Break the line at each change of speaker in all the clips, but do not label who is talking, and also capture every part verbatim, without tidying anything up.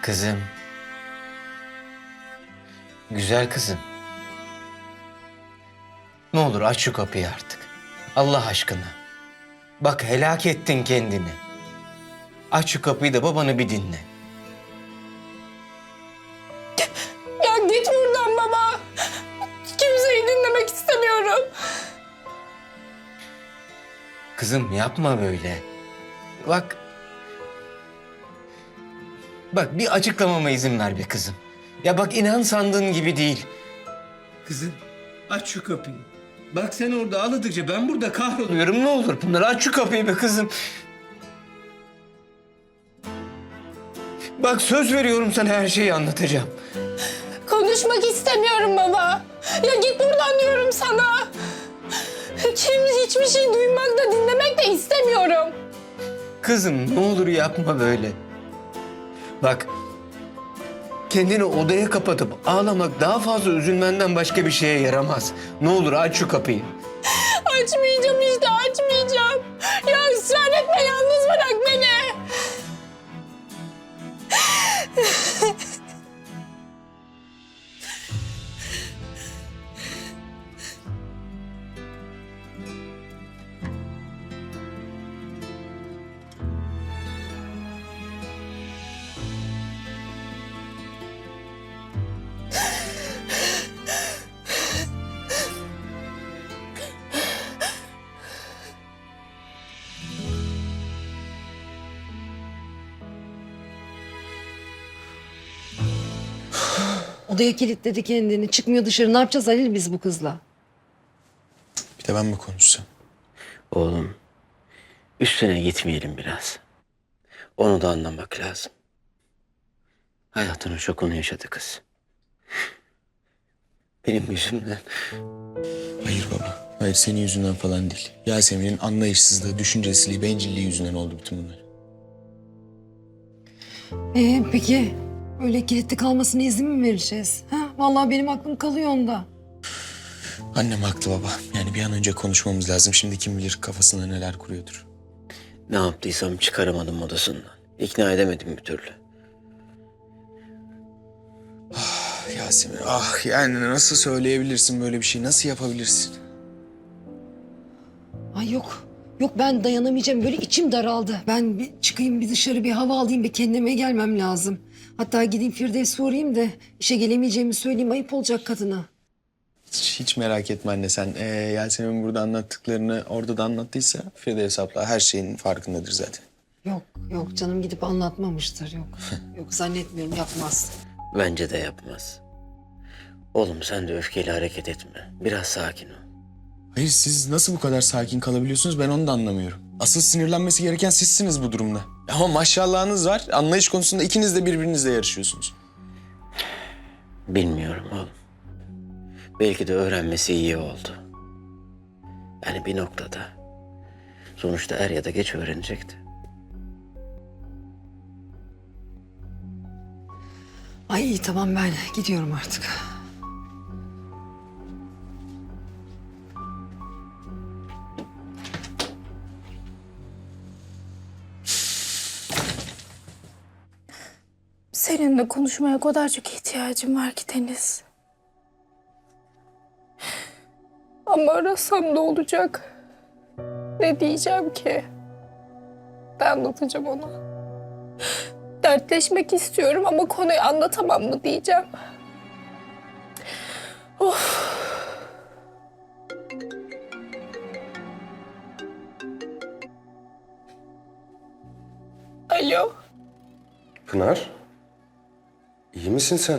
Kızım. Güzel kızım. Ne olur aç şu kapıyı artık. Allah aşkına. Bak helak ettin kendini. Aç şu kapıyı da babanı bir dinle.
Ya git buradan baba. Kimseyi dinlemek istemiyorum.
Kızım yapma böyle. Bak. Bak bir açıklamama izin ver be kızım. Ya bak inan sandığın gibi değil. Kızım aç şu kapıyı. Bak sen orada ağladıkça ben burada kahroluyorum. Ne olur Pınar aç şu kapıyı be kızım. Bak söz veriyorum sana her şeyi anlatacağım.
Konuşmak istemiyorum baba. Ya git buradan diyorum sana. Kim hiçbir şey duymak da dinlemek de istemiyorum.
Kızım ne olur yapma böyle. Bak kendini odaya kapatıp ağlamak daha fazla üzülmenden başka bir şeye yaramaz. Ne olur aç şu kapıyı.
Açmayacağım işte açmayacağım. Ya ısrar etme yalnız bırak beni.
Odaya kilitledi kendini. Çıkmıyor dışarı. Ne yapacağız Halil biz bu kızla?
Bir de ben mi konuşsam?
Oğlum üstüne gitmeyelim biraz. Onu da anlamak lazım. Hayatının şokunu yaşadı kız. Benim yüzümden.
Hayır baba. Hayır senin yüzünden falan değil. Yasemin'in anlayışsızlığı, düşüncesizliği, bencilliği yüzünden oldu bütün bunlar.
Ee, peki öyle kilitli kalmasına izin mi vereceğiz? Ha? Vallahi benim aklım kalıyor onda.
Annem haklı baba. Yani bir an önce konuşmamız lazım. Şimdi kim bilir kafasında neler kuruyordur.
Ne yaptıysam çıkaramadım odasından. İkna edemedim bir türlü.
Ah, Yasemin ah yani nasıl söyleyebilirsin böyle bir şey? Nasıl yapabilirsin?
Ay yok. Yok ben dayanamayacağım. Böyle içim daraldı. Ben bir çıkayım bir dışarı bir hava alayım bir kendime gelmem lazım. Hatta gideyim Firdevs'e uğrayayım da işe gelemeyeceğimi söyleyeyim. Ayıp olacak kadına.
Hiç, hiç merak etme anne sen. Ee, Yasemin burada anlattıklarını orada da anlattıysa Firdevs abla her şeyin farkındadır zaten.
Yok yok canım gidip anlatmamıştır. Yok. Yok zannetmiyorum yapmaz.
Bence de yapmaz. Oğlum sen de öfkeyle hareket etme. Biraz sakin ol.
Hayır siz nasıl bu kadar sakin kalabiliyorsunuz ben onu da anlamıyorum. Asıl sinirlenmesi gereken sizsiniz bu durumda. Ama maşallahınız var. Anlayış konusunda ikiniz de birbirinizle yarışıyorsunuz.
Bilmiyorum oğlum. Belki de öğrenmesi iyi oldu. Yani bir noktada. Sonuçta er ya da geç öğrenecekti.
Ay iyi tamam ben gidiyorum artık.
Seninle konuşmaya o kadar çok ihtiyacım var ki Deniz. Ama arasam ne olacak? Ne diyeceğim ki? Ne anlatacağım ona? Dertleşmek istiyorum ama konuyu anlatamam mı diyeceğim. Of. Alo.
Pınar, iyi misin sen?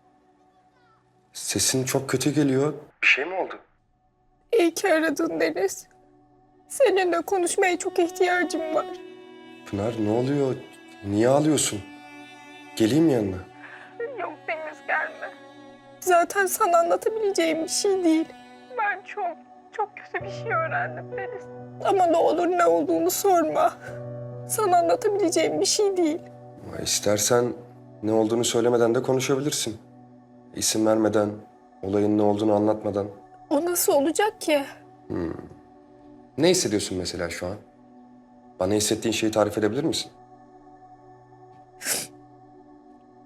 Sesin çok kötü geliyor. Bir şey mi oldu?
İyi ki aradın Deniz. Seninle konuşmaya çok ihtiyacım var.
Pınar ne oluyor? Niye ağlıyorsun? Geleyim yanına.
Yok Deniz gelme. Zaten sana anlatabileceğim bir şey değil. Ben çok, çok kötü bir şey öğrendim Deniz. Ama ne olur ne olduğunu sorma. Sana anlatabileceğim bir şey değil.
Ama İstersen ne olduğunu söylemeden de konuşabilirsin. İsim vermeden, olayın ne olduğunu anlatmadan.
O nasıl olacak ki?
Ne hissediyorsun mesela şu an? Bana hissettiğin şeyi tarif edebilir misin?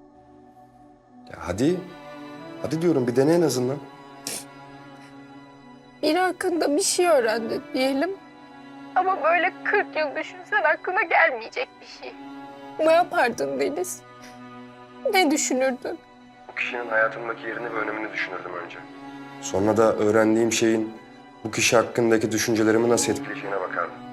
Ya hadi. Hadi diyorum bir dene en azından.
Biri hakkında bir şey öğrendin diyelim. Ama böyle kırk yıl düşünsen aklına gelmeyecek bir şey. Ne yapardın Deniz? Ne düşünürdün?
O kişinin hayatımdaki yerini ve önemini düşünürdüm önce. Sonra da öğrendiğim şeyin bu kişi hakkındaki düşüncelerimi nasıl etkileyeceğine bakardım.